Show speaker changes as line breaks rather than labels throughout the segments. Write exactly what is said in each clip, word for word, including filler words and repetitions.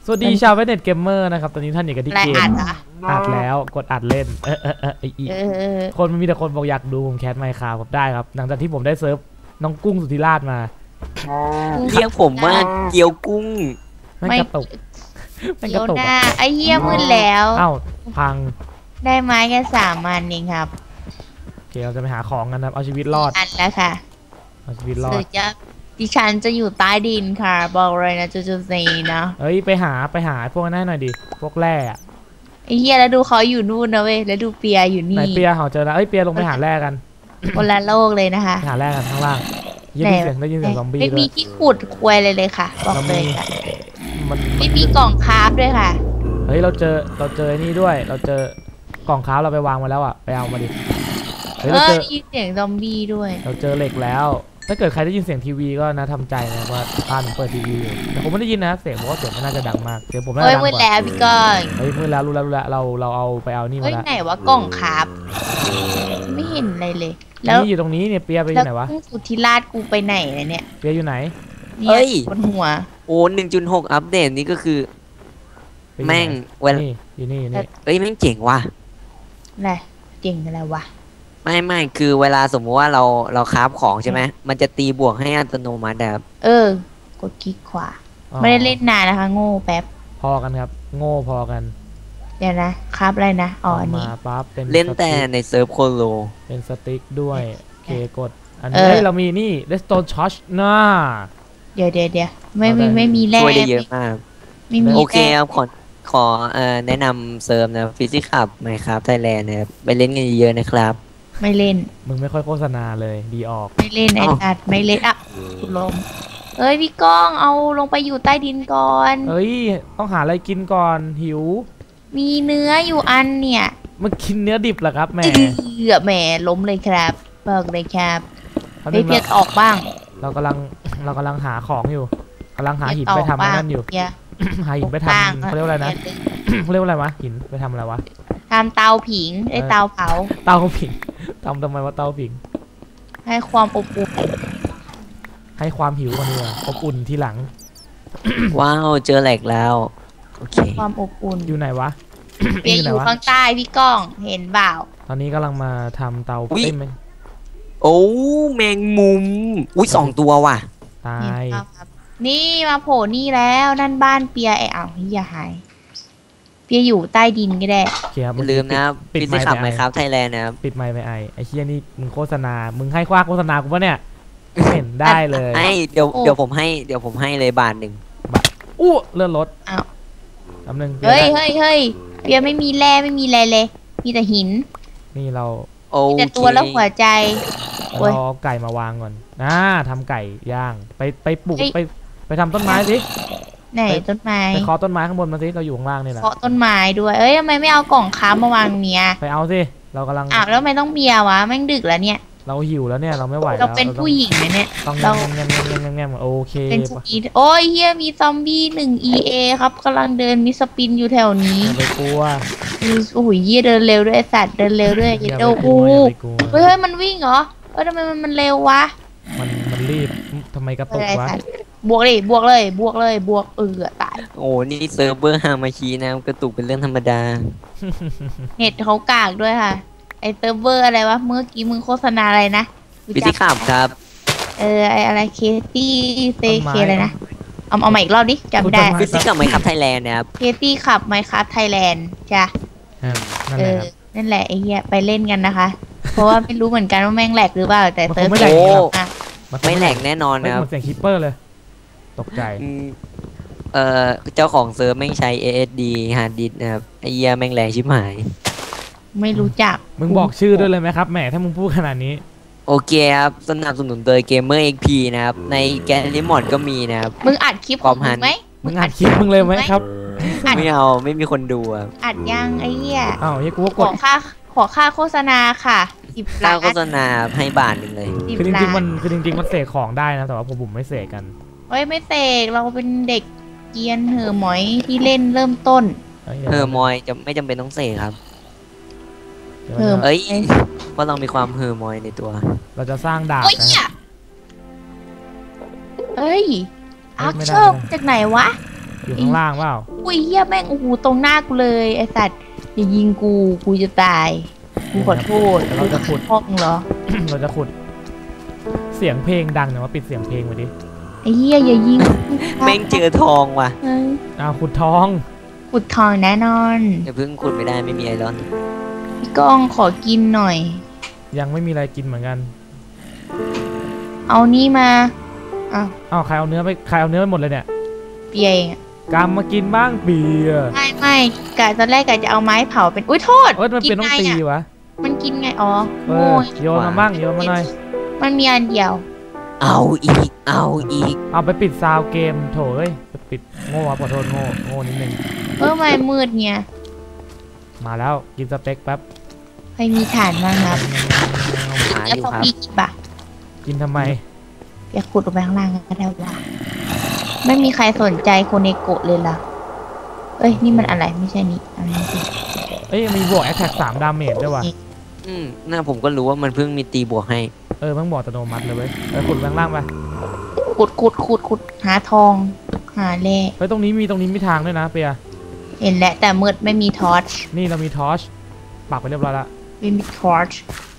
สวัสดีชาวเวเน็ตเกมเมอร์นะครับตอนนี้ท่านอยู่กันที่เกม
อัดเหรอ
อัดแล้วกดอัดเล่นเออเออเออไออี
เออ
คนมันมีแต่คนบอกอยากดูผมแคสไมค์คราฟผมได้ครับหลังจากที่ผมได้เซิร์ฟน้องกุ้งสุธิราชมา
เรียกผมว่าเกี๊ยวกุ้ง
แม่งกระตุกแม่งก
เดี๋ย
ระ
ว
ตุก
ห
อะ
น้าไอ้เหี้ยมืดแล้ว
เอ้าพัง
ได้ไม้แค่สามอันเองครับ
โอเคเราจะไปหาของกันนะครับเอาชีวิตรอด
อันแล้วค่ะ
เอาชีวิตรอ
สื
ด
อจะดิฉันจะอยู่ใต้ดินค่ะ บอกเลยนะจูจูซีนะ
เฮ้ยไปหาไปหาพวกนั้นหน่อยดิพวกแร่อะ
ไอ้เหี้ยแล้วดูเขาอยู่นู่นนะเว้ยแล้วดูเปียอยู่
ไหน
นี่
เปียเขาเจอแล้วเอ้ยเปียลงไปหาแร่กัน
คนละโลกเลยนะคะ
ไปหาแร่กันข้างล่างยินเสียงได้ยินเสียงซอมบี้
ไม่
ด้ว
มี
ย
ที่ขุดควยเลยเลยค่ะ บอกเลยค่ะ
มัน
ไม่มีกล่องคราฟด้วยค่ะ
เฮ้ยเราเจอเราเจอไอ้นี่ด้วย เราเจอกล่องค้าเราไปวางมาแล้วอ่ะไปเอามาดิเฮ้ย
เอ
เรา
อ
เจอ
ได้ยินเสียงซอมบี้ด้วย
เราเจอเหล็กแล้ว ถ้าเกิดใครได้ยินเสียงทีวีก็นะทำใจนะว่าบ้านผมเปิดทีวีอยู่แต่ผมไม่ได้ยินนะเสียงผมว่าเสียงมันน่าจะดังมากเสียงผมน่า
เฮ้
จะ
ย
ดัง
มืด
กว่า
แล้วพี่ก้อย
เฮ้ยมืดแล้วรู้แล้วรู้แล้วเราเราเอาไปเอานี่มา
เฮ้ย
แล้ว
ไหนวะกล่องคราฟไม่เห็นอะไรเลย แล้ว
นี่อยู่ตรงนี้เนี่ยเปียไปอ
แล้ว
ยู่ไหนวะ
กุ้งสุธิราชกูไปไหนเลยเนี่ย
เปียอยู่ไหน
เนี่ยบนหัว
โอ้หนึ่งจุดหกอัปเดตนี่ก็คือ
เปียอยู่ไหน
แม่งเวลา
นี่อยู่นี่อยู่นี่
เอ้ยแม่งเจ๋งว่ะ
อะไรเก่งอะไรวะ
ไม่ไม่คือเวลาสมมุติว่าเราเราคราฟของใช่ไหมมันจะตีบวกให้อัตโนมัติแบบ
เออ กดคลิกขวา
อ๋อ
ไม่ได้เล่นนานนะคะ โง่แป๊บ
พอกันครับโง่พอกัน
เดี๋ยวนะครับอะไรนะ อ๋ออันนี้
มาปั๊บเป็น
เล่นแต่
สติ๊ก
ในเซิร์ฟโคโล
เป็นสติ๊กด้วยโอเคกดอัน
เอ
นี้
อ
เฮ้ยเรามีนี่ redstone torch น่า
เดี๋ยวเดี๋ยวเดี๋ยวไม่มี
เอาได้
ไม่มีแร่
ช่วยได้เยอะมาก
ไม่มี
โอเค
แร่
ครับขอขอเอ่อแนะนำเซิร์ฟนะฟิสิกส์ขับไหมครับไทยแลนด์นะครับไปเล่นกันเยอะๆนะครับ
ไม่เล่น
มึงไม่ค่อยโฆษณาเลยดีออก
ไม่เล่นไอ้
อ้าว
ตัดไม่เล่นอ่ะคุณลมเอ้ยพี่ก้องเอาลงไปอยู่ใต้ดินก่อน
เฮ้ย ต้องหาอะไรกินก่อนหิว
มีเนื้ออยู่อันเนี่ย
มันกินเนื้อดิบเหรอครับแหม่
เกือบแหมล้มเลยครับบอกเลยครับ
เขา
เฮ้ยเพียรออกบ้าง
เรากำลังเรากำลังหาของอยู่กำลังหาหิน
เพี
ไป
ยร
ทำ
บ้าง
นั่นอยู่
เพียร
หาหินไปทำเขาเรียกว่าอะไรนะเขาเรียกว่าอะไรวะหินไปทำอะไรวะ
ทำเตาผิงไอ้เตาเผา
เตาผิงทำทำไมว่าเตาผิง
ให้ความอบอุ่น
ให้ความหิวกันเลยอบอุ่นทีหลัง
ว้าวเจอแหลกแล้วโอเค
ความอบอุ่น
อยู่ไหนวะ
เปีย
อยู่
อ
ไหน
ยู่
วะ
ข้างใต้พี่ก้องเห็นเปล่า
ตอนนี้กำลังมาทำเตาเอ้ยไม่
โอ้แมงมุมอุ้ยสองตัวว่ะ
ตา
เห็น
ย
เปล่าครับนี่มาโผล่นี่แล้วนั่นบ้านเปียไอ้อ้าวเฮียหายเปียอยู่ใต้ดินก็ได้
โอเคครับ
อย่าลืมนะ
ปิด
ฟิ
ไม
สิก
ค์
ส์ขับ
ไป
ไหม
ไอ
ครับไทยแลนด์นะครับ
ปิดไมค์ไปไอไอเชี่ยนี่มึงโฆษณา มึงให้คว้าโฆษณากูปะเนี่ยไม่เห็นได้เลย
ให้เดี๋ยวเดี๋ยวผมให้เดี๋ยวผมให้เลยบาทหนึ่ง
อู้เลื่อนรถ
อ้าว
ลำหนึ่ง
เฮ้ยเฮ้ยเฮ้ยเปียไม่มีแร่ไม่มีอะไรเลย มีแต่หิน
นี่เรา
โอ
มี
เค
แต่ตัวแล้วหัวใจ โอ้ย
เราเอาไก่มาวางก่อนอ่าทำไก่ย่าง ไปไปปลูก
เฮ้ย
ไปไปทำต้นไม้สิ
ไหนต้นไม้
ไปเคาะต้นไม้ข้างบนมาสิ เราอยู่ข้างล่างนี่แหละ
เคาะต้นไม้ด้วย เอ้ยทำไมไม่เอากล่องค้ามาวางเนี้ย
ไปเอาสิ เรากำลัง
อ้าวแล้วทำไมต้องเบียร์วะแม่งดึกแล้วเนี่ย
เราหิวแล้วเนี่ย เราไม่ไหวแล้ว
เราเป็นผู้หญิงนะเนี่ย
ต้อง
เรา
แงมแงมแงมแงมแงมโอเค
เป็นสปีดโอ้ยเฮียมีซอมบี้หนึ่ง อี เอ ครับกำลังเดินมีสปินอยู่แถวนี้
อย่าไปกลัว
มีโอ้โหเฮียเดินเร็วด้วยไอ้สัตว์เดินเร็วด้วย
อ
เหี้ย
ย่า
โด
ไปกลั
กู
วอย่าไปกลัว
เฮ้ยเฮ้ยมันวิ่งเหรอเอ้ยทำไมมันมันเร็ววะ
มันมันรีบทำไมกระ
เอ
ตุ
อก ไอ้
วะ
สัตว์บวกเลยบวกเลยบวกเลยบวกเออตาย
โอ้นี่เซิร์ฟเวอร์ฮามาชีนะครับกระตุกเป็นเรื่องธรรมดา
เน็ตเขากากด้วยค่ะ ไอเซิร์ฟเวอร์อะไรวะเมื่อกี้มึงโฆษณาอะไรนะรู้
ฟิ
จั
สิ
ก
กส์ขับครับ
เออไออะไรเคตี้เซเคอะไรนะเอาเอาใหม่อีกรอบดิจำไม่ได้
ฟิสิกส์ขับไหมครับไทยแลนด์นะครับ
เคตี้ขับไมครับไทยแลนด์จ้ะ
อ่านั่น
เอ
แหละ
อ
ครับ
นั่นแหละไอเฮียไปเล่นกันนะคะ เพราะว่าไม่รู้เหมือนกันว่าแม่งแหลกหรือเปล่าแต่
มันค
เซิร์
ง
ฟ
ไม่แหลก
โอ้
หรอก
อ่ะ
นคง
ไม่แหลกแน่นอน
เฮ้ย
นะครับ
เหมือนเสียงคิปเปอร์เลย ตกใจ
อืมเอ่อเจ้าของเซิร์ฟแม่งใช้ เอ เอส ดี ฮาร์ดดิสก์นะครับไอเหี้ยแม่งแรงชิบหาย
ไม่รู้จัก
มึงบอกชื่อด้วยเลยไหมครับแหมถ้ามึงพูดขนาดนี้
โอเคครับสนับสนุนโดย Gamer เอ็กซ์ พี นะครับ ในแกนลิมอดก็มีนะครับ
มึงอัดคลิปของมึงไหม
มึงอัดคลิปมึงเลยไหมครับ
อัด
ไม่เอาไม่มีคนดูครับ
อัดยังไอเฮีย
อ้าวเฮ้ยกูก็
ข
กด
อค่าขอค่าโฆษณาค่ะสิบ
ค่า
ล้าน
โฆษณาให้บาทหนึ่งเลย
สิบ
คือจ
ล้า
ริงๆมัน
น
คือจริงๆมันเสกของได้นะแต่ว่าผมผมไม่เสกกัน
เฮ้ยไม่เสกเราเป็นเด็กเกรียนเหอะหมอยที่เล่นเริ่มต้น
ฮ้ย
เออมอยจะไม่จำเป็นต้องเสกครับ
ดี๋ยว
เออ
เอ้ยเพราะเรามีความเฮอร์มอยในตัว
เราจะสร้างดาบ
โอ้ย
นะ
เหี้ยเฮ้ย
เฮ้
อั
ย
ก
ไม่ได้
โชคจากไหนวะ
อยู่ข้างล่างเปล่า
อุ้ยเฮียแม่งโอ้โหตรงหน้ากูเลยไอสัตว์อย่ายิงกูกูจะตายกูขอโทษ
เดี๋ยวเราจะขุด
พ่อมึงเหรอ
เราจะขุดเสียงเพลงดังเนี่ยวมาปิดเสียงเพลงไว้ดิ
ไอ้เฮียอย่ายิง
แม่งเจอทองว่ะ
เฮ้ย
อ้าวขุดทอง
ขุดทองแน่นอน
อย่าเพิ่งขุดไม่ได้ไม่มีไอรอน
พี่ก้องขอกินหน่อย
ยังไม่มีอะไรกินเหมือนกัน
เอานี่มาอ้าว
อ้าวใครเอาเนื้อไปใครเอาเนื้อไปหมดเลยเนี่ย
เปียเองอะ
กำมากินบ้างเปีย
ไม่ไม่กะตอนแรกกะจะเอาไม้เผาเป็นอุ้ยโทษ
เอ้ยมันเป็นต้องตี
ไงอะ
วะ
มันกินไงอ๋อ
เอ
โง่
อโยนมาบ้างโยนมาหน่อย
มันมีอันเดียว
เอาอีกเอาอีก
เอาไปปิดซาวเกมโถเอ้ยไปปิดโง่ครับขอโทษโง่โง่นิดนึง
เออไม่มืดเนี่ย
มาแล้วกินสเต็กแป๊บ
ใครมีถ่านบ้างครับ
หา
แล้ว
อยู่
ซอม
ครับ
บี้กี่บะ
กินทำไม
อยากขุดลงไปข้างล่างก็ได้ว่าไม่มีใครสนใจโคเนโกะเลยล่ะเอ้ยนี่มันอะไรไม่ใช่นี่อันนี้สิ
เอ้ยมีบวกแอคแท็กสามดาเมจด้วยว่ะ
อืมน่าผมก็รู้ว่ามันเพิ่งมีตีบวกให้
เออมันบอกอัตโนมัติเลยเว้ยเออขุดข้างล่างไป
ขุดขุดขุดขุดหาทอง หาแร่
เฮ้ยตรงนี้มีตรงนี้มีทางด้วยนะเปีย
เห็นแล้วแต่มืดไม่มีทอร์ช
นี่เรามีทอร์ชปักไปเรียบร้อยแล้ว
ไม่มีทอร์ช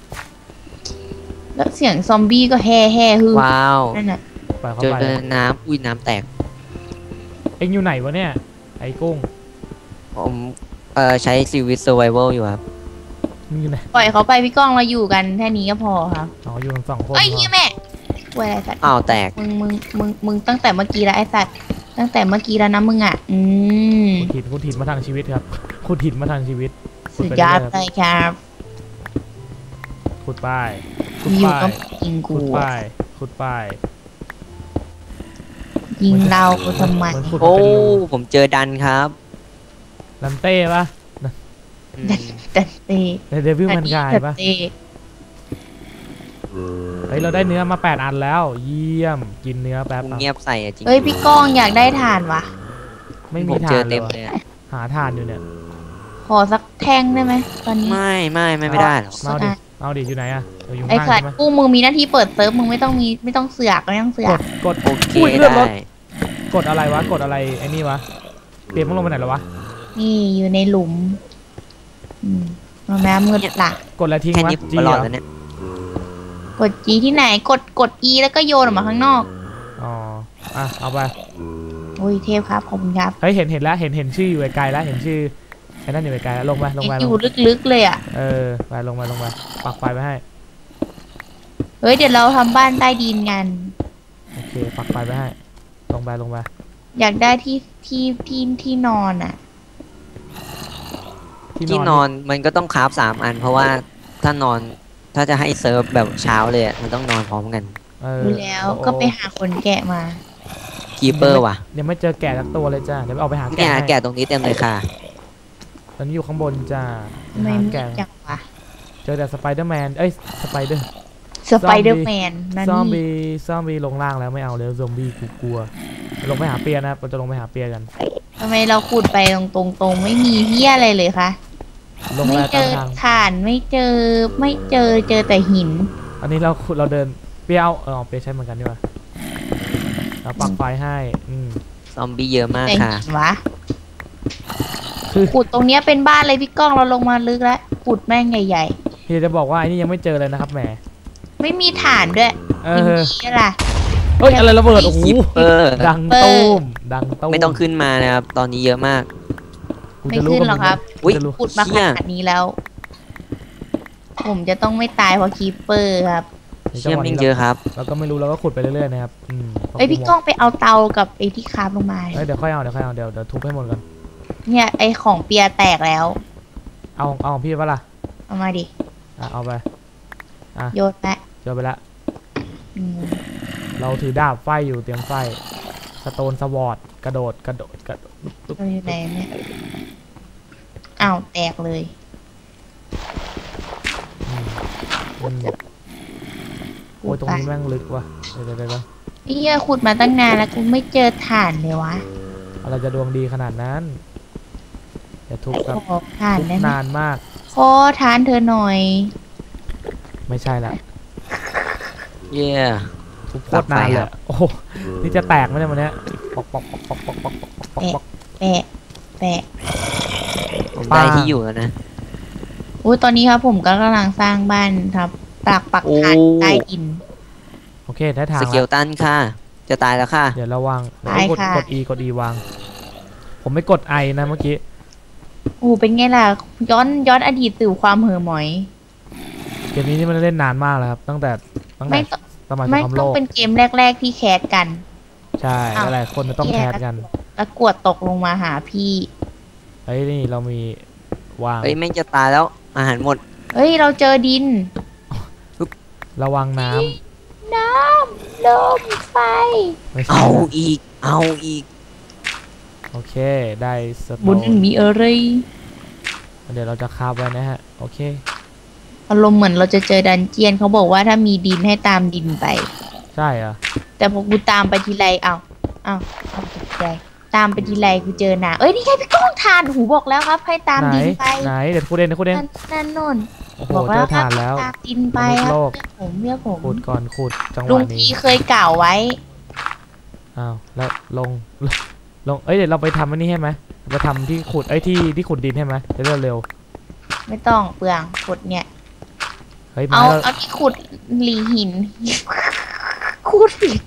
แล้วเสียงซอมบี้ก็แห่แห่ฮือ
ว้าว
นั่นน่ะ
ปล่อยเข้า
เจอ
ไป
น้ำอุ้ยน้ำแตก
เอ็งอยู่ไหนวะเนี่ยไอ้กุ้ง
ผมเอ่อใช้ซีวิตเซอร์ไวเวลอยู่ครับ
มึงอยู่ไหน
ปล่อยเขาไปพี่ก้องเราอยู่กันแค่นี้ก็พอครับ
อ๋ออยู่กันสองคน
เอ้ยเฮียแม่ป่วยอะไรสัตว์
อ้าวแตก
มึงมึงมึงมึงตั้งแต่เมื่อกี้แล้วไอ้สัตว์ตั้งแต่เมื่อกี้แล้วนะมึงอ่ะ อืม
คุณถินคุณถินมาทางชีวิตครับคุณถินมาทางชีวิตขุ
สุด
ไป
ยอด
เรื่
เลยครับ
ๆขุดป้ายขุด
มีอยู่
ป้า
ก็
ย
ยิงกู
ขุดป้ายขุดป้าย
ยิงเราทำไม
เหมือนขุด
โอ้
เป็นรู
ผมเจอดันครับ
ลันเต้ปะ
อืม
ดันเต้
ในเดวิลมันกายปะ
ดันเต้
เฮ้ยเราได้เนื้อมาแปดอันแล้วเยี่ยมกินเนื้อแป๊บ
ผม
อ่ะ
เงียบใส่อะจริง
เฮ้ยพี่ก้องอยากได้ถ่านวะ
ไม่
ผ
มี
มเจ
ทา
อน
เล
เต็
ย
ม
ว่ะ
เลยอะ
หาทานอยู่เนี่ย
ขอสักแท่งได้ไหมตอนนี้
ไม่ไม่ไม่ไม่ได้หรอก
เอาดิเอาดิอยู่ไหนอะเอออยู่
ไอ้
ข้าง
สั
ล่า
ต
ง
ว์
ใช่ไหม
กูมึงมีหน้าที่เปิดเซิร์ฟมึงไม่ต้องมีไม่ต้องเสือกไม่ต้องเสือก
ดกด
โอเค
อุ้ยเลือดร
ได้
ถ กดอะไรวะกดอะไรไอ้นี่วะเปลี่ยนมันลงไปไหนแล้ววะ
นี่อยู่ในหลุม อืมมาแม่มืดละ
กดอะไรทิ้ง
แค่
วะ
นี้ผม
จี
ก็
เห
ร
ร
อด
อ
แล้วเนี่ย
กด G ที่ไหนกดกด E แล้วก็โยนออกมาข้างนอก
อ๋ออ่ะเอาไป
โอ้ยเทพครับขอบคุณครับ
เฮ้ยเห็นเห็นแล้วเห็นเห็นชื่ออยู่ไกลๆแล้วเห็นชื่อไอ้นั่นอยู่ไกลๆแล้วลงไปลงไป
อ
ล
ยู่
ง
ลึกๆเลยอ่ะ
เออไปลงไปลงไปปักไฟไปให้
เฮ้ยเดี๋ยวเราทำบ้านใต้ดินกัน
โอเคปักไฟไปให้ลงไปลงไป
อยากได้ที่ที่ที่ที่นอนอ่ะ
ที่นอนมันก็ต้องคราฟสามอัน เพราะว่าถ้านอนถ้าจะให้เซิร์ฟแบบเช้าเลยอะมันต้องนอนพร้อมกัน
เออ
ดูแล้ว
โอ้
ก็ไปหาคนแกะมา
คีเปอร์ว่ะ
ยังไม่เจอแกะสักตัวเลยจ้าเดี๋ยวไปเอาไปหา
เนี่
แกะ
ย
ให้
แกะตรงนี้เต็มเลยค่ะ
ตอนนี้อยู่ข้างบนจ้า
ไม่
หา
ไม่
แกะ
จังวะ
เจอแต่สไปเดอร์แมนเอ้ยสไปเดอร์
สไปเดอร์แมนนั่น
ซอม
นี่
บี้ซอมบี้ลงล่างแล้วไม่เอาแล้วซอมบี้กูกลัวลงไปหาเปียนะครับเราจะลงไปหาเปียกัน
ทำไมเราขุดไปตรงตรงตรงๆไม่มีเหี้ยอะไรเลยคะ
ลง
ไม่
ไป
เจ
ตาม
อ
ทาง
ถ่านไม่เจอไม่เจอเจอแต่หิน
อันนี้เราขุดเราเดินเปียเอาเออเปียใช้เหมือนกันดีกว่าเราปักไฟให้อืม
ซอมบี้เยอะมาก
แต่
ค่ะ
หินวะ
คือ
ขุดตรงเนี้ยเป็นบ้านเลยพี่ก้องเราลงมาลึกแล้วขุดแม่งใหญ่
พี่จะบอกว่าไอ้นี่ยังไม่เจอเลยนะครับแหม
ๆ ไม่มีถ่านด้วย
เอ
มี
อ
เหี้ยล่ะ
เฮ้ยอะไรระเบิดโอ้โห
คีเปอร์
ดังตูมดังตูม
ไม่ต้องขึ้นมานะครับ ตอนนี้เยอะมาก
กู
ไม่
จะรู้
ขึ้นหรอกครับ
อุ้ย
จะรู้
ขุดมาข
เชี่ย
นาดนี้แล้ว ผมจะต้องไม่ตายเพราะคีเปอร์ครับ
เชี่ยมิ่งเยอะครับ
เราก็ไม่รู้เราก็ขุดไปเรื่อยๆนะครับอืม
เอ้ยพี่ก้องไปเอาเตากับไอ้ที่คาบลงมา
เฮ้ยเดี๋ยวค่อยเอาเดี๋ยวค่อยเอาเดี๋ยวเดี๋ยวทุบให้หมดก่อน
เนี่ยไอ้ของเปียแตกแล้ว
เอาเอาของพี่ปะล่ะ
เอามาดิ
อ่ะเอาไป
โยนแปะ
เจอไปละ
อืม
เราถือดาบไฟอยู่เตรียมไฟสโตนสวอตกระโดดกระโดดกระโดดปุ๊บ
เราอยู่ไหนเนี่ยอ้าวแตกเลย
อืมอืมโอ้ยตรงนี้แม่งลึกว่ะเดี๋ยวเดี๋ยวเดี๋ยว
ไอ้เหี้ยขุดมาตั้งนานแล้วกูไม่เจอถ่านเลยวะ
อะไรจะดวงดีขนาดนั้นอย่าทุบครับ
ขอถ่าน
ทุบ
ได้ไหม
นานมาก
ขอทานเธอหน่อย
ไม่ใช่ละ
เย่
ทุบโคตรนานเลยโอ้โหนี่จะแตกไหมเนี่ยวันเนี้ยปอกปอกปอกปอกปอกปอกปอกปป๊อกป๊อก
แปะแปะ
ผมได้ที่อยู่แล้วนะ
อุ้ยตอนนี้ครับผมก็กำลังสร้างบ้านครับปักปักฐาน
โอ้
ใต้ดิน
โอเคได้ทาง
สเก
แล้
ล
ว
ตันค่ะ จะตายแล้วค่ะ
เดี๋ยวระวังเดี๋ยว
ไป
กด
ค่ะ
กด E กด E วาง ผมไม่กด I นะเมื่อกี้
โอ้เป็นไงล่ะย้อนย้อนอดีตสู่ความเห่อหมอย
เกมนี้นี่มันเล่นนานมากแล้วครับ ตั้งแต่ตั้งแต่
ไม่ต้อง
สมัยสง
ไม่
คราม
ต้
โล
อง
ก
เป็นเกมแรก ๆ ที่แคสกัน
ใช่
อ้าว
หลายๆคนจะต้อง
แย่
แคสกัน
แล้วกวดตกลงมาหาพี่
เฮ้ยนี่เรามีวาง
เฮ้ยแม่งจะตายแล้ว อาหารหมด
เฮ้ยเราเจอดิน
ระวังน้ำ
น้ำลมไฟ
ไม่ใช่
เอา
นะ
อีก เอาอีก
โอเคได้สโต
บน
น
มีอะไร
เดี๋ยวเราจะคาบไว้นะฮะโอเค
อารมณ์เหมือนเราจะเจอดันเจียนเขาบอกว่าถ้ามีดินให้ตามดินไป
ใช่เหรอ
แต่พอกูตามไปทีไรเอาเอาเอาตกใจตามไปทีไรกูเจอหนาเอ้ยนี่ไงพี่ก้องทานหูบอกแล้วครับ ให้ตาม
ไหน
ดินไป
ไหนเดี๋ยวคูเดนเดี๋ยวคูเดน
นั่นนั่นโน่น
โอ้โห
บอก
เจ
แล้ว
อ
ครั
ฐานแล้ว
ตามดินไป
มนุษย์
ค
โล
รับ
ก
ผมเรียกผม
ขุดก่อนขุดจังห
ลุ
วะ
ง
นี้
พีเคยกล่าวไว้
อ้าวแล้วลงลงเอ้ยเดี๋ยวเราไปทำอันนี้ให้ไหมไปทำที่ขุดไอ้ยที่ที่ขุดดินให้ไหมจะได้เร็ว
ไม่ต้องเปลืองขุดเนี่ย
เฮ้ยไม้
เอา
เรา
เอาที่ขุดหลีหิน ขุดหิน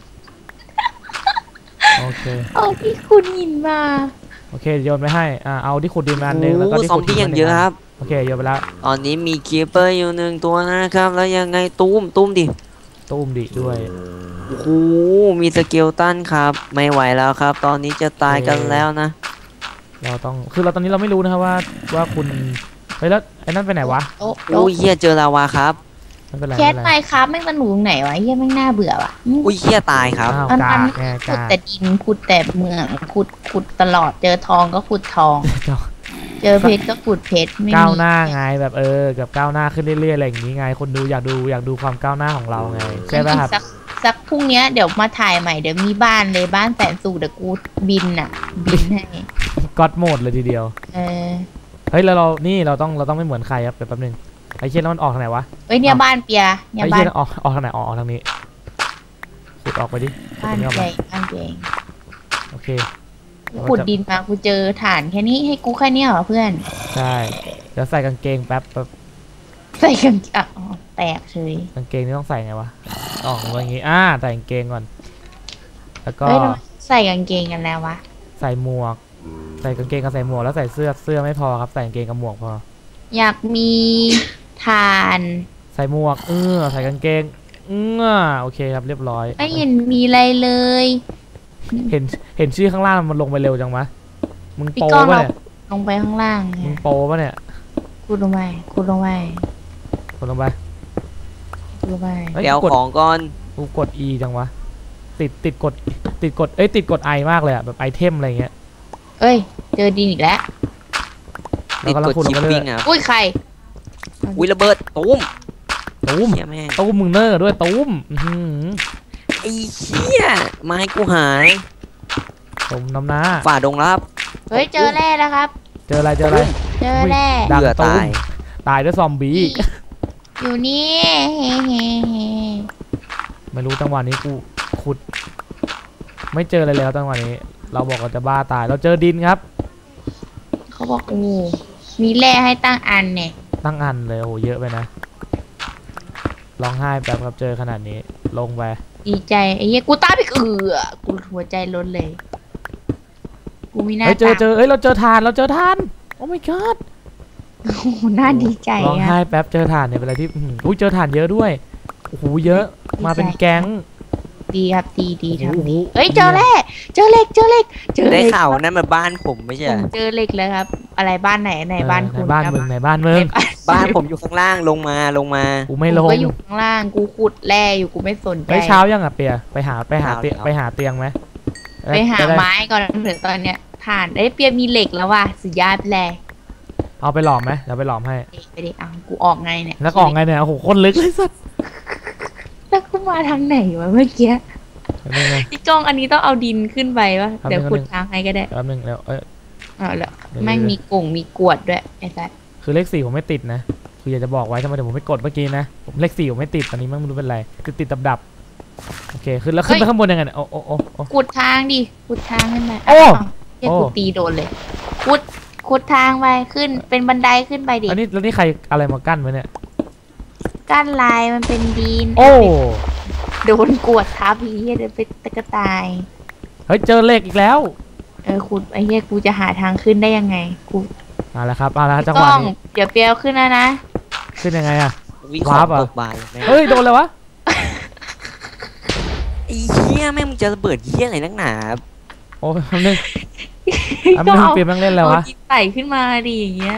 โอเค
เอาที่ขุดหินมา
โอเคโยนไปให้อ่าเอาที่ขุดดินมาอันหนึงแล้วก็
โอ้
ที่
ซอม
ขุด
บี้
ดิน
อย่างเยอะครับ
โอเคโยนไปแล้ว
ตอนนี้มีคีเปอร์อยู่หนึ่งตัวนะครับ แล้วยังไงตุ้มตุ้มดิ
ตุ้มดิด้วย
โอ้โห มีสเกลตันครับ ไม่ไหวแล้วครับ ตอนนี้จะตายกันแล้วนะ
เราต้องคือเราตอนนี้เราไม่รู้นะครับว่าว่าคุณเฮ้ยแล้วไอ้นั่นไปไหนวะ
โต๊ะ
อุ้ยเฮียเจอลาวาครับ
ไม่เป็นไร
แค
ไม่
ส
เป็น
ไม
ไร
ค์ครับแม่งสนุกตรงไหนวะเฮียแม่งน่าเบื่อว่ะ
อุ้ยเฮียตายครับ
อ้าว
มัน
กา
มัน
กไง
ขุด
กาก
แต่ดินขุดแต่เมืองขุดขุดตลอดเจอทองก็ขุดทอง
เจ้า
เจอเพชรก็ขุดเพชรไม่มี
ก้าวหน้าไงแบบเออกับก้าวหน้าขึ้นเรื่อยๆอะไรอย่างนี้ไง คนดูอยากดูอยากดูความก้าวหน้าของเราไงใช่ไหมครับ
สักสักพรุ่งเนี้ยเดี๋ยวมาถ่ายใหม่เดี๋ยวมีบ้านเลยบ้านแสนสูงเดี๋ยวกูบินอ่ะ บินให้
ก็อดโหมดเลยทีเดียว
เออ
เฮ้ยแล้วเรานี่เราต้องเราต้องไม่เหมือนใครครับเดี๋ยวแป๊บนึงไอ้เชี่ยแล้วมันออกทางไหนวะ
เอ้ยเนี่ยบ้านเปียเนี่ย
ไอ้
บ้า
เชี่
น
ยออกออกทางไหนออกออกทางนี้ขุดออกไปดิ
บ้าน
ขุดตรงนี้ออก
ให
มา
ญ่บ้านใหญ่
โอเค
ขุดดินมากูเจอฐานแค่นี้ให้กูแค่เนี้ยเหรอเพื่อน
ใช่เดี๋ยวใส่กางเกงแป๊บแป๊บ
ใส่กันอ่ะอ๋อแตกเฉย
กางเกงนี่ต้องใส่ไงวะออกมาอย่างงี้อ่าใส่กางเกงก่อน แล้วก็
เฮ้ยทำไมใส่กางเกงกันแล้ววะ
ใส่หมวก ใส่กางเกงกับใส่หมวกแล้วใส่เสื้อเสื้อไม่พอครับใส่กางเกงกับหมวกพอ
อยากมีฐาน
ใส่หมวกเออใส่กางเกงเออโอเคครับเรียบร้อย
ไม่เห็นมีอะไรเลย
เห็นเห็นชื่อข้างล่างมันลงไปเร็วจังวะมึง
พี่
โป
ก้อง
ปะ
เรา
เนี่ย
ลงไปข้างล่าง
มึ
เนี่
ง
ย
โปปะเนี่ย
คูดลงไปคูดลงไป
กดลงไป
คูดลงไป
เฮ้ย
ไปเอา
กด
ของก่อน
กูกด E จังวะติดติดกดติดกดเอ้ยติดกด I มากเลยอะแบบไอเทมอะไรเงี้ย
เอ้ย เจอดินอีกแล้ว
เรา
ติด
กำลั
ก
ง
ด
ขุดล
ชิ
ง
ป
ไปเรื่
ปิ้
อง ย
อ่ะ
อุ้ยใคร
อุ้ยระเบิดตุ้ม
ตุ้ม
เฮียแม่ง
ตุ้มมึงเนอร์ด้วยตุ้มอื้อหือ
ไอ้เฮียไม้กูหาย
ตุ้มน้ำหน้า
ฝ่าดงรับ
เฮ้ย เจอแร่แล้วครับ
เจออะไรเจออะไร
เจอแร่
ดัง
เบื่อ
ตุ้
ตาม ย
ตายด้วยซอมบี้
อยู่นี่เฮ้เฮ้เฮ้
ไม่รู้จังหวะนี้กูขุด ไม่เจออะไรเลยครับจังหวะนี้ เราบอกเราจะบ้าตายเราเจอดินครับ
เขาบอกโอ้มีแร่ให้ตั้งอันเนี่ย
ตั้งอันเลยโอ้โหเยอะไปนะร้องไห้แบบครับเจอขนาดนี้ลงไป
ดีใจไอ้เหี้ยกูตายไปเอือกูหัวใจล้นเลย กูมีหน้า
เฮ้ยเจอ
ตา
เจอเอ้ยเราเจอทานเราเจอทานโอ้ my god
โอ้โหน่าดีใจ
ร้อง
อะ
ไห้แป๊บเจอถ่านเนี่ยเป็นอะไรที่อื้อหืออุ้ยเจอถ่านเยอะด้วยโอ้โหเยอะมาเป็นแก๊ง
ดีครับดีดี
โอ้โห
ทำดีเอ้ยเจอแร่เจอเหล็กเจอเหล็กเจอเห
ได้
ล็ก
ข่าวนั่นมันบ้านผมไม่ใช่
ผมเจอเหล็กแล้วครับ อะไรบ้านไหนไหนบ้าน
เออ
คุณ
ในบ้าน
ครับ
มึงในบ้านมึง
บ้านผมอยู่ข้างล่างลงมาลงมา
กูไม่ล
กู
ง
ก็อยู่ข้างล่างกูขุดแร่อยู่กูไม่สนใจ
เฮ้ยเช้ายังอ่ะเปียไปหาไปหา
เช้า
เตียง
แล้ว
ไปหาเตียงไหม
ไปหา
จะด้
ไม้ก่อนเผื่อตอนเนี้ยถ่านเอ้ยเปียมีเหล็กแล้วว่ะสุดยอดไปเลย
เอาไปหลอมไหมเดี๋ยวไปหลอมให้
ไปดิอ่ะกูออกไงเนี่ย
แล้วก็ออกไงเนี่ยโอ้โหคนลึกเลยสัส
แล้วกูมาทางไหนวะเมื่อกี้
แป๊บนึงนะ
พี่ก้องอันนี้ต้องเอาดินขึ้นไปวะ
ครับ
เดี๋ยว
นึง
ขุดทางให้ก็ได้
แป๊บนึงแล้วเอ้ย
อ๋อแล้ว
เดี๋ยว
แม่งมีกล่งมีกวดด้วยไอ้สัส
คือเลขสี่ผมไม่ติดนะคืออยากจะบอกไว้ทำไมเดี๋ยวผมไม่กดเมื่อกี้นะผมเลขสี่ผมไม่ติดตอนนี้มันไม่รู้เป็นไรติดติดดับดับๆโอเคขึ้นแล้วขึ้นไปข้างบนยังไงเนี่ยโอ้โอ้โอ้โอ้
ขุดทางดิขุดทางขึ้นไป
โอ้
าวเฮีย
โอ้
กูตีโดนเลยขุดขุดทางไปขึ้นเป็นบันไดขึ้นไปดิ
อันนี้แล้วนี่ใครอะไรมากั้นไว้เนี่ย
กั้นลายมันเป็นดิน
โอ้
โดนกวดทับไอ้เฮียเดินไปตะกะตาย
เฮ้ยเจอเหล็กอีกแล้ว
เออขุดไอ้เฮียกูจะหาทางขึ้นได้ยังไงกู
มาแล้วครับมาแล้วจังห
ต้
วะ
อง
นี้
เดี๋ยวเปียวขึ้นแล้วนะ
ขึ้นยังไงอะ
วิเคราะ
วาร์ป
ห์
อะ
ตกบานเลยแม่ง
เฮ้ยโดนเลยวะ
ไอ้เหี้ยแม่งมึงจะระเบิดเหี้ยอะไรนักหนา
โอ้ยอันนึงอันนึงเปลี่ยนแม่งเล่นแล้ววะ
เอาดินไต่ขึ้นมาดิอย่างเงี้ย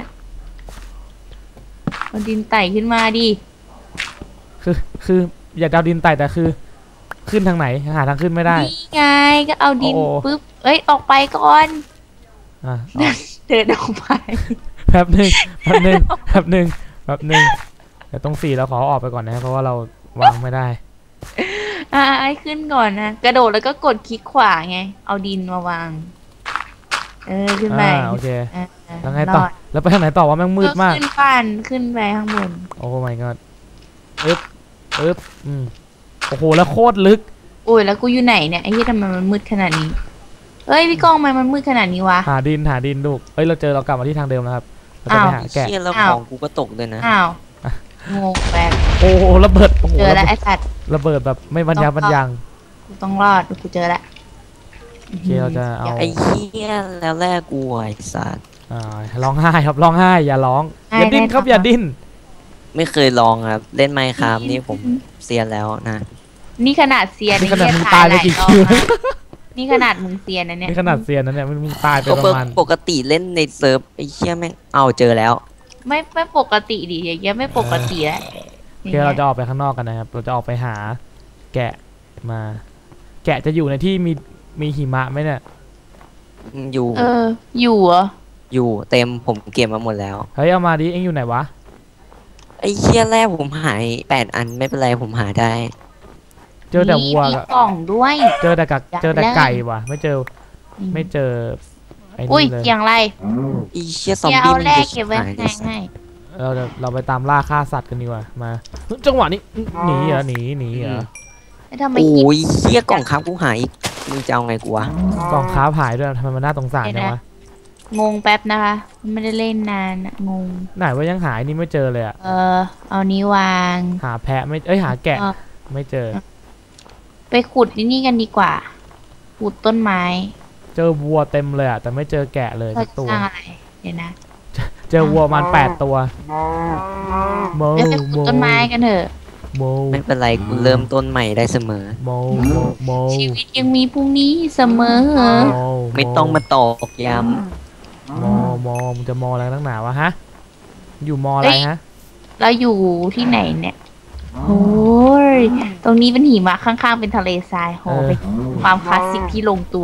เอาดินไต่ขึ้นมาดิ
คือคืออยากดาวดินไต่แต่คือ ขึ้นทางไหนหาทางขึ้นไม่ได้
นี่ไงก็เอาดิน
โอ้
ปุ๊บเอ้ยออกไปก่อน
อ่ะ
เดินออกไป
แป๊บหนึ่งแป๊บหนึ่งแป๊บหนึ่งแป๊บหนึ่งแต่ตรงสี่เราขอออกไปก่อนนะเพราะว่าเราวางไม่ได้
อ่าไอ้ขึ้นก่อนนะกระโดดแล้วก็กดคลิกขวาไง เอาดินมาวาง เออขึ้นไป
อ่าโอเค
อ่า
แล้วไงต่อ
รด
แล้วไปทางไหนต่อวะแม่งมืดมาก
ขึ้นบ้านขึ้นไปข้างบน
โอ้ my god อึ๊บอึ๊บอืมโอ้โหแล้วโคตรลึก
โอ้ยแล้วกูอยู่ไหนเนี่ยไอ้เหี้ยทำไมมันมืดขนาดนี้เอ้ยพี่ก้องทำไมมันมืดขนาดนี้วะ
หาดินหาดินลูกเอ้ยเราเจอเรากลับมาที่ทางเดิมแล้วครับเราจะไป
อ้าว
หาแกะ
เหี้ยแล้ว
อ้าว
ของกูก็ตกด้วยนะ
อ้าวงงแบบ
โอ้โหระเบิดโอ้โห
เจอ
ระ
แล้ว
เบิ
ไอ้
ด
สัตว์
ระเบิดแบบไม่บรรยาบรรยัง
กูต้องรอดกูเจอแล้ว
โอเคเราจะเอา
ไอ้เหี้ยแล้วแรกกูไอ้สัตว์
อ่าร้องไห้ครับร้องไห้อย่าร้องอย่าดิ้นครับอย่าดิ้น
ไม่เคยลองครับ เล่นไมค์ครับนี่ผมเซียนแล้วนะ
นี่ขนาดเซียน
นี่ขนาดมึง
ไอ้
ตาย
เหี้
ไปกี่
หล
คิว
รอบนะนี่ขนาดมึงเซียนนะเนี่ย
นี่ขนาดเซียนนะเนี่ยมันมึงตายไป
ป
ป
ก
ระมาณ
ปกติเล่นในเซิร์ฟไอ้เหี้ยแม่งเอาเจอแล้ว
ไม่ไม่ปกติดิอย่างเงี้ยไม่ปกติแล้ว
โอเคเราจะออกไปข้างนอกกันนะครับเราจะออกไปหา แกะมา แกะจะอยู่ในที่มีมีหิมะไหมเนี่ย
อยู่
เออ อยู่เหรอ
อยู่เต็มผมเก็บมาหมดแล้ว
เฮ้ยเอามาดิเอ็งอยู่ไหนวะ
ไอ้เหี้ยแรกผมหายแปดอันไม่เป็นไรผมหาได้
เจอแต่วัว
มี
กับ
กล่องด้วย
เจอแต่กัก
อยาก
เจอแต่
ได้
ไก่ว่ะไม่เจอไม่เจอไอ้
อุ้ย
นี่เลย
เกียงไร
ไอ้เชี่ยซอม
เกีย
บี้
เอา
มัน
แรก
จะ
เก็บไว้
หาย
ข้างใน
ได้
ให้
เราจะเราไปตามล่าฆ่าสัตว์กันดีกว่ามาจังหวะนี้หนีเหรอหนีหนีเหรอ
แล้วทำไม
โอ้
คิด
ยเชี่ยกล่องค้ำกูหายอีกมึงจะเอาไงกูวะ
กล่องค้าหายด้วยทำไมมันน่าสงสารจังวะ
งงแป๊บนะคะ ไม่ได้เล่นนานอะงง
ไหนว่ายังหายนี่ไม่เจอเลยอะ
เออ เอานี้วาง
หาแพะไม่เอ้ยหาแกะ
เออ
ไม่เจอ
ไปขุดนี่กันดีกว่า ขุดต้นไม้
เจอวัวเต็มเลยอะแต่ไม่เจอแกะเลย
เรา
สัก
จะ
ตัว
สร้างอะไร เดี๋ยวนะ
เจอวัวประมันแปดตัวโม
เดี๋ยวไปขุดต้นไม้กันเถอะ
โม
ไม่เป็นไรกูเริ่มต้นใหม่ได้เสมอ
โมโมโม
ชีวิตยังมีพรุ่งนี้เสมอ
โม
ไม่ต้องมาตอกย้
โมโมมึงจะมออะไรตั้งหนาวะฮะอยู่มออะไรฮะ
เราอยู่ที่ไหนเนี่ยโอ้ย ตรงนี้เป็นหิมะข้างๆเป็นทะเลทรายโห
เออ
เป็นความคลาสสิกที่ลงตัว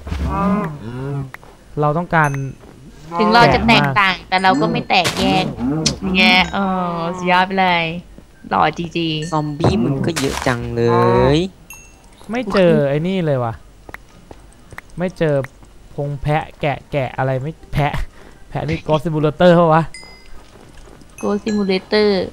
เราต้องการ
ถึงเราจะ
แปลก
แต
มาก
กต่าง แต่เราก็ไม่แตกแยกเงี้ยเออสุดยอดไปเลยหล่อจีจี
ำซอมบี้มึงก็เยอะจังเลย
ไม่เจอไอ้นี่เลยว่ะไม่เจอพงแพะแกะแกะอะไรไม่แพะ แพะนี่กอซิมูเลเตอร์ปะวะ
โกซิมูเลเตอร์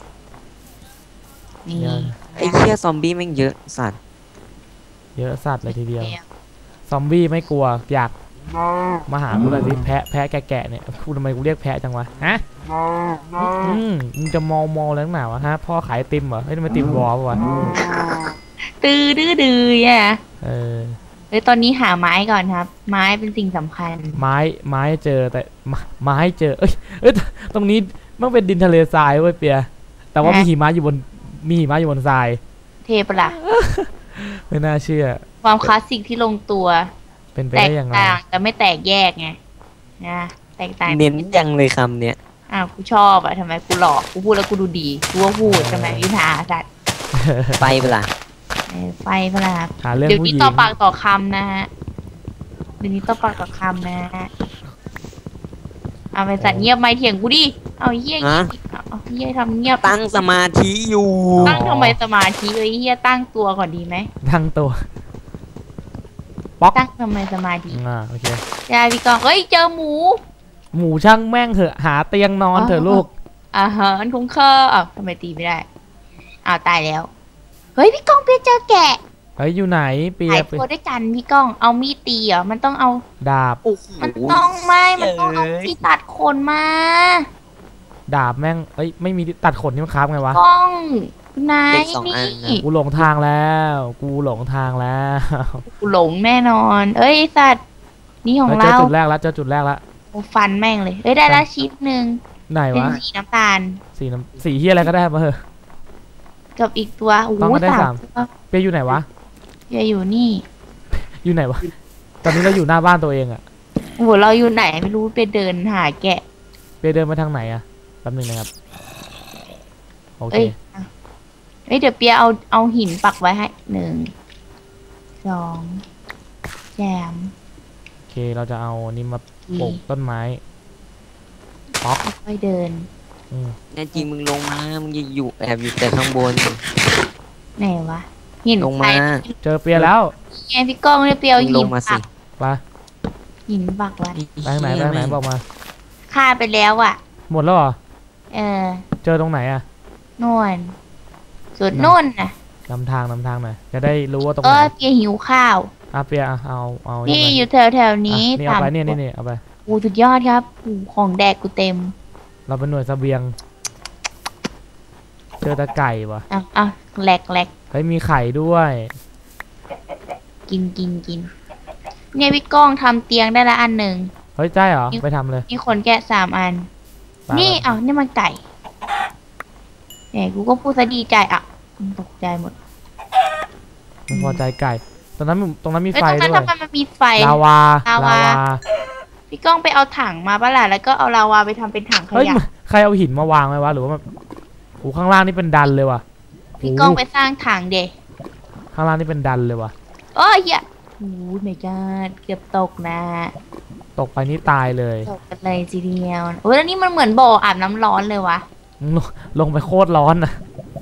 นี่
เยอะ
ไอ้เชี่ยซอมบี้แม่งเยอะสัตว์
เยอะสัตว์เลยทีเดียว ซอมบี้ไม่กลัวอยากมาหากูหน่อยสิแพะแพะแกะแกะเนี่ยกูทำไมกูเรียกแพะจังวะฮะอืมมึงจะมอมอแล้วหนาวะฮะพ่อขายไอติมเหรอเฮ้ยทำไมติมวอลปะวะ
ตื้อดื้อดื้ออ่ะ
เออ
เฮ้ยตอนนี้หาไม้ก่อนครับ ไม้เป็นสิ่งสำคัญ
ไม้ไม้เจอแต่ไม้ไม้เจอเอ้ยเอ้ยตรงนี้มันเป็นดินทะเลทรายเว้ยเปียแต่ว่ามีหิมะอยู่บนมีหิมะอยู่บนทราย
เทปะล่ะ
ไม่น่าเชื่อ
ความคลาสสิกที่ลงตัว
เป็นไป
แตก
ได้อย่างไร
ต่างแต่ไม่แตกแยกไงนะแตกต่าง
เน้นยังเลยคำเนี้ย
อ้าวกูชอบอะทำไมกูหลอกกูพูดแล้วกูดูดีกูว่าพูดทำไมวิธาสัตว์
ไปเปะล่า
เออไฟพลาด
หาเรื่อง
เดี๋ยว
ผู้ห
นี้
ญิง
ต่อปากต่อคำนะฮะเดี๋ยวนี้ต่อปากต่อคำนะฮะเอาไปสัตว์เงียบไม่เถียงกูดิเอาเฮีย
ฮะ
เอาเอาเฮียทำเงียบ
ตั้งสมาธิอยู่
ตั้งทำไมสมาธิเลยเฮียตั้งตัวก่อนดีไหม
ทั้งตัว
ตั้งทำไมสมาธิ
อ่าโอเค
ยายพี่กองเอ้ยเจอหมู
หมูช่างแม่งเถอะหาเตียงนอนเถอะลูก
อาหารคุ้มค่าอ้าวทำไมตีไม่ได้อ้าวตายแล้วเฮ้ยพี่กองเปียเจอแกะ
เฮ้ยอยู่ไหนเปีย
หายตัวด้วยกันพี่ก้องเอามีดตีเหรอมันต้องเอา
ดาบ
โอ้โห
มันต้องไม่มันต้องเอาที่ตัดขนมา
ดาบแม่งเอ้ยไม่มีตัดขนนี่มันคราฟไงวะ
ก้องนาย
เด็กสองอันนะ
นี่
กูหลงทางแล้ว กูหลงทางแล้ว
กูหลงแน่นอน เอ้ยสัตว์นี่ของ
เจอ
เรา
จุดแรกแล้วเจอจุดแรกแล้ว
โอ้ฟันแม่งเลย เอ้ยได้ละชิ้นหนึ่ง
ไหน
เป็น
วะ
สีน้ำตาล
สีน้ำสีเฮียอะไรก็ได้มาเถอะ
กับอีกตัวโอ้โห
ต้องมาได้
สา
สาม ม
ตัว
เปียอยู่ไหนวะ
อย่าอยู่นี่
อยู่ไหนวะ ตอนนี้เราอยู่หน้าบ้านตัวเองอะ
โอ้โหเราอยู่ไหนไม่รู้ไปเดินหาแกะ
เปียเดินมาทางไหนอะแป๊บหนึงนะครับโอเค
เอ้ยอ่ะเอ้ยเดี๋ยวเปียเอาเอาหินปักไว้ให้หนึ่งสองแจม
โอเคเราจะเอานี่มาปลูกต้นไม้ป๊อก
ค่อยๆเดิน
อืม
แน่จริงมึงลงมา มึงอย่าอยู่แอบอยู่แต่ข้างบน
ไหนวะหิน
ลงมา
ใคร
เจอเปียแล้ว
ไงพี่ก้องเนี่ยเปียเอา
มึงล
หิน
งมาสิ
ปัก
ไป
หินปักไว้
ไปทางไหนไปทางไหนบอกมา
ฆ่าไปแล้วอ่ะ
หมดแล้วเหรอ
เออ
เจอตรงไหนอะ
นวลสุดนู่นนะ
นำทางนำทางหน่อยจะได้รู้ว่าตรง
เอ
ไหน
อเปียหิวข้าว
อ่ะเปียอ่ะเอาเอา
นี่
นี่
อยู่แถวแถวๆนี้
นี่เอาไป
สาม
เนี่ยนี่
ตัว
นี่เอาไป
โอ้สุดยอดครับโอ้ของแดกกูเต็ม
เราเป็นหน่วยเสบียง เจอตะไก่วะ
อ่ะอ่ะแหลกแหลก
เฮ้ยมีไข่ด้วย
กินกินกินเนี่ยพี่ก้องทำเตียงได้ละอันหนึ่ง
เฮ้ยใช่เหรอไปทำเลย
มีคนแกะสามอัน
ไป
นี่
ไป
เอ้านี่มันไก่แหมกูก็พูดซะดีใจอ่ะตกใจหมด
ไม่พอใจไก่ ตรงนั้นมีตรงนั้นมี
เอ้ย
ไฟ
ตรงนั้น
ด้วย
ทำไมมันมีไฟ
ลาวา
ลาวา พี่ก้องไปเอาถังมาปะล่ะแล้วก็เอาลาวาไปทำเป็นถังข
เฮ้ย
ยะ
ใครเอาหินมาวางไว้วะหรือว่ามันโอ้ข้างล่างนี่เป็นดันเลยว่ะ
พี่ก้องไปสร้างถังเดะ
ข้างล่างนี่เป็นดันเลยว่ะ
โอ้ยเหี้ยโอ้ยไม่กาดเกือบตกนะ
ตกไปนี่ตายเลย
ตกกันเลยทีเดียวโอ้ยแล้วนี่มันเหมือนบ่ออาบน้ำร้อนเลยวะ
ลงลงไปโคตรร้อนนะ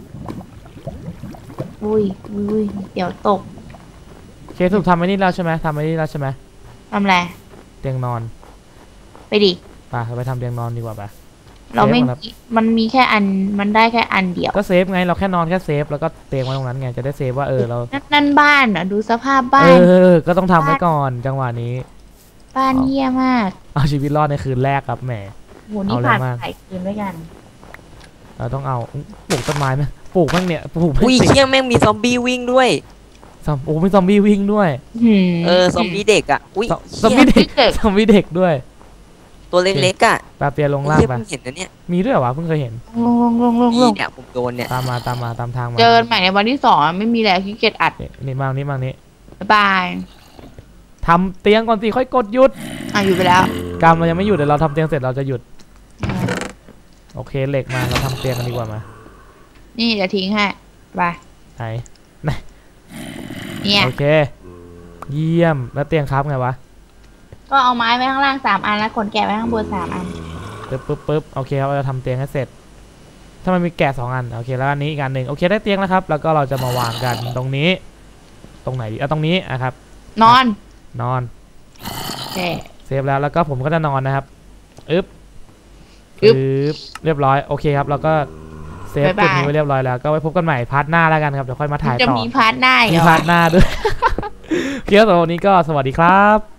อุ้ยอุ้ยเดี๋ยวตก
เคสสุดทำไอ้นี่แล้วใช่ไหมทำไอ้นี่แล้วใช่ไหม
ทำไร
เตียงนอน
ไปดิ
ไปเราไปทำเตียงนอนดีกว่าไป
เราไม่
เซฟก่อนครับ
มีมันมีแค่อันมันได้แค่อันเดียว
ก็เซฟไงเราแค่นอนแค่เซฟแล้วก็เตียงไว้ตรงนั้นไงจะได้เซฟว่าเออเรา
นั่นนั่นบ้านอ่ะดูสภาพบ้า
เอน อ ก็ต้องทำไว้ก่อนจังหวะนี้
บ้านเหี้ยมาก
เอาชีวิตรอดในคืนแรกครับแหม
โหนี่
เอาอะไร
ผ่าน
มาก
หลายคืนด้วยกัน
เราต้องเอาปลูกต้นไม้ไหมปลูกแม่งเนี่ยปลูกไม่
อุ้ย
ติด
เชี่ยแม่งมีซอมบี้วิ่งด้วย
ซอมโอ้มีซอมบี้วิ่งด้วย
หืม
เออ ซอมบี้เด็กอ่ะ อุ้ย
ซอมซอมบี้เด็ก
เด็ก
ซอมบี้เด็กด้วย
ตัวเล็กๆอ่ะ
ปลาเปียลง
ไอ้
ล่าง
เชี่ย
ไป
เพิ่งเห็นนะเนี่ย
มีด้วยเหรอวะเพิ่งเคยเห็น
ลงลงลงลงล
นี่
ง
เนี่ยผมโดนเนี่ย
ตามมาตามมาตามทางมา
เจอกันใหม่ในวันที่สองอะไม่มีแล้วขี้เกียจอัด
นี่นี่มานี่มานี่
บ๊ายบาย
ทำเตียงก่อนสิค่อยกดหยุด
อ่ะอยู่ไปแล้ว
กรรมเรายังไม่หยุดเดี๋ยวเราทำเตียงเสร็จเราจะหยุดโอเคเหล็กมาเราทำเตียงกันดีกว่ามา
นี่เดี๋ยวทิ้งให้ไป
ไหน
เนี่ย
โอเค เยี่ยมแล้วเตียงครับไงวะ
ก็เอาไม้ไว้ข้างล่างสามอันแล้วขนแกะไว้ข้างบนสามอัน
ปึ๊บปึ๊บปึ๊บโอเคครับเราจะทำเตียงให้เสร็จ ถ้ามันมีแกะสองอันโอเคแล้วอันนี้อีกอันหนึ่งโอเคได้เตียงแล้วครับ แล้วก็เราจะมาวางกันตรงนี้ ตรงไหนดีอ่ะตรงนี้อ่ะครับ
นอน
นอน
โอเค
เซฟแล้วแล้วก็ผมก็จะนอนนะครับอึ๊บ
อึ๊บ
อึ๊บเรียบร้อยโอเคครับเราก็เซฟ
บ๊ายบาย
จุดนี้ไว้เรียบร้อยแล้วก็ไว้พบกันใหม่พาร์ทหน้าแล้วกันครับเดี๋ยวค่อยมาถ่าย
จะ
ต่อ
มีพาร์ทหน้าอีก
มี
เหรอ
พาร์ทหน้าด้วย เคียวสำหรับวันนี้ก็สวัสดีครับ